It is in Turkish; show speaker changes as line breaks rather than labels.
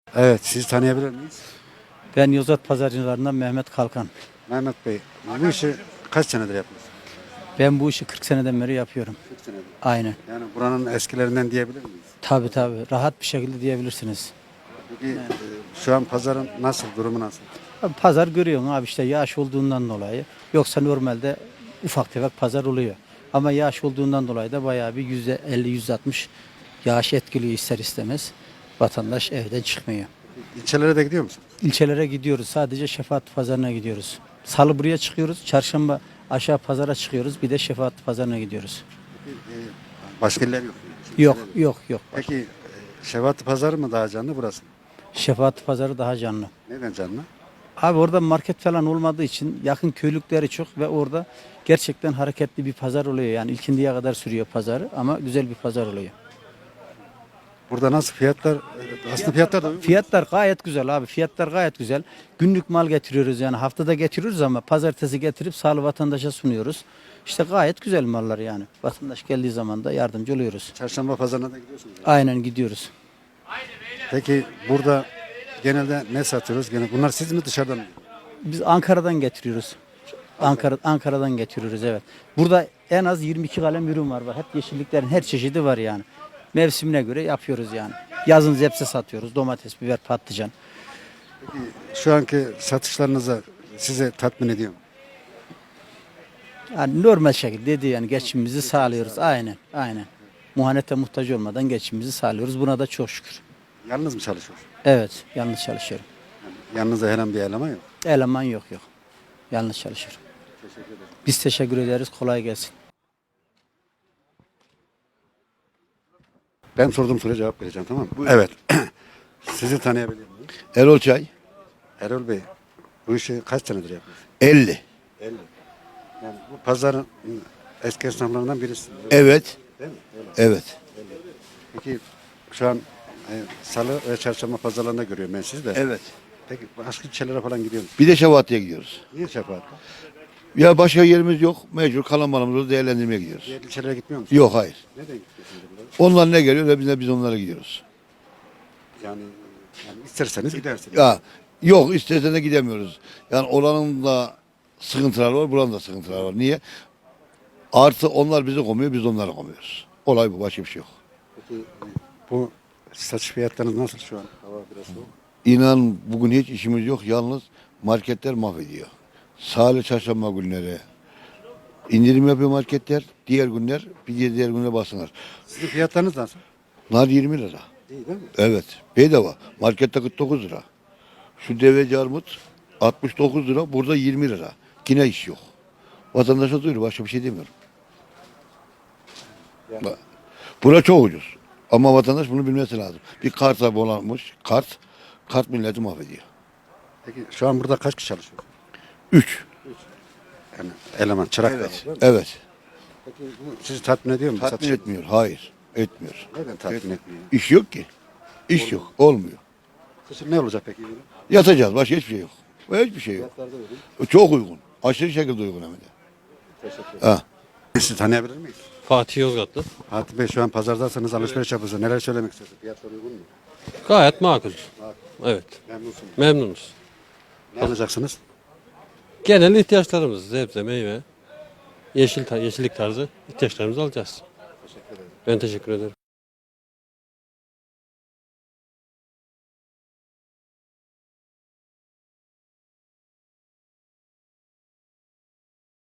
Evet, sizi tanıyabilir miyiz?
Ben Yozgat Pazarcılarından Mehmet Kalkan.
Mehmet Bey, bu işi kaç senedir yapıyorsunuz?
Ben bu işi 40 seneden beri yapıyorum.
40 senedir.
Aynen.
Yani buranın eskilerinden diyebilir miyiz?
Tabii rahat bir şekilde diyebilirsiniz.
Peki şu an pazarın nasıl, durumu nasıl?
Abi pazar görüyorsun abi işte yağış olduğundan dolayı. Yoksa normalde ufak tefek pazar oluyor. Ama yağış olduğundan dolayı da bayağı bir %50-%60 yağış etkiliyor ister istemez. Vatandaş evden çıkmıyor.
İlçelere de gidiyor musunuz?
İlçelere gidiyoruz. Sadece Şefaat Pazarı'na gidiyoruz. Salı buraya çıkıyoruz. Çarşamba aşağı pazara çıkıyoruz. Bir de Şefaat Pazarı'na gidiyoruz.
Başka iller yok.
Yok
İlçeler yok.
yok yok.
Peki Şevat Pazarı mı daha canlı burası mı?
Şefaat Pazarı daha canlı.
Neden canlı?
Abi orada market falan olmadığı için yakın köylükleri çok ve orada gerçekten hareketli bir pazar oluyor. Yani ilkindiye kadar sürüyor pazarı ama güzel bir pazar oluyor.
Burada nasıl fiyatlar? Aslında fiyatlar da uygun.
Fiyatlar gayet güzel abi. Fiyatlar gayet güzel. Günlük mal getiriyoruz yani haftada getiriyoruz ama pazartesi getirip sağlı vatandaşa sunuyoruz. İşte gayet güzel mallar yani. Vatandaş geldiği zaman da yardımcı oluyoruz.
Çarşamba pazarına da gidiyorsunuz.
Aynen gidiyoruz.
Peki burada genelde ne satıyoruz? Bunlar siz mi dışarıdan mı?
Biz Ankara'dan getiriyoruz. Ankara'dan getiriyoruz evet. Burada en az 22 kalem ürün var. Hep yeşilliklerin her çeşidi var yani. Mevsimine göre yapıyoruz yani. Yazın zepse satıyoruz. Domates, biber, patlıcan.
Şu anki satışlarınıza size tatmin ediyor mu?
Yani normal şekilde dedi yani geçimimizi sağlıyoruz. Aynen. Muhanete muhtaç olmadan geçimimizi sağlıyoruz. Buna da çok şükür.
Yalnız mı çalışıyorsunuz?
Evet, yalnız çalışıyorum.
Yanınızda herhangi bir eleman yok.
Eleman yok. Yalnız çalışıyorum. Biz teşekkür ederiz. Kolay gelsin.
Ben sorduğum soruya cevap vereceğim, tamam mı? Evet. Sizi tanıyabilir miyim?
Erol Çay
Erol Bey, bu işi kaç senedir yapıyorsunuz?
50.
50. Yani bu pazarın eski esnaflarından birisi.
Evet.
Değil mi? Öyle.
Evet.
Peki şu an salı ve çarşamba pazarlarında görüyorum ben sizi de.
Evet.
Peki başka ilçelere falan gidiyor musunuz?
Bir de Şevaat'e gidiyoruz.
Niye Şefaat?
Ya başka yerimiz yok. Mecbur kalan malımızı değerlendirmeye gidiyoruz.
Diğer ilçelere gitmiyor musunuz?
Yok hayır.
Neden gidiyorsunuz buralara?
Onlar ne geliyor biz onlara gidiyoruz.
Yani isterseniz gidersiniz.
Ya yok istesen de gidemiyoruz. Yani oranın da sıkıntıları var, buranın da sıkıntıları var. Niye? Artı onlar bizi komuyor, biz onları komuyoruz. Olay bu, başka bir şey yok.
Peki bu satış fiyatlarınız nasıl şu an? Hava biraz soğuk.
İnan bugün hiç işimiz yok. Yalnız marketler mahvediyor. Salı çarşamba günleri indirim yapıyor marketler. Diğer günler diğer günler basınlar.
Sizin fiyatlarınız nasıl?
Nar 20 lira.
İyi değil mi?
Evet. Bedava. Markette 49 lira. Şu deveci armut 69 lira. Burada 20 lira. Yine iş yok. Vatandaşa duyuyor. Başka bir şey demiyorum.
Yani-
Bak, bura çok ucuz. Ama vatandaş bunu bilmesi lazım. Bir kart sahibi olanmış. Kart milleti mahvediyor.
Peki şu an burada kaç kişi çalışıyor?
3.
Yani eleman, çırak
Evet.
var, değil mi?
Evet.
Peki bu sizi tatmin ediyor mu?
Tatmin
Satış-
etmiyor. Hayır. Etmiyor.
Neden tatmin etmiyor?
İş yok ki. İş yok. Olmuyor.
Kışın ne olacak peki?
Yatacağız. Başka hiçbir şey yok. Hiçbir şey yok.
Fiyatlarda vereyim.
Çok uygun. Aşırı şekilde uygun hem de.
Teşekkür ederim.
Ha.
Sizi tanıyabilir miyiz?
Fatih Yozgatlı.
Fatih Bey şu an pazardasınız, alışveriş yapıyorsunuz. Neler söylemek istiyorsunuz? Fiyatlar uygun mu?
Gayet makul. Evet.
Memnunsunuz.
Memnunuz.
Ne alacaksınız?
Genel ihtiyaçlarımız sebze, meyve, yeşillik tarzı ihtiyaçlarımızı alacağız. Ben teşekkür ederim.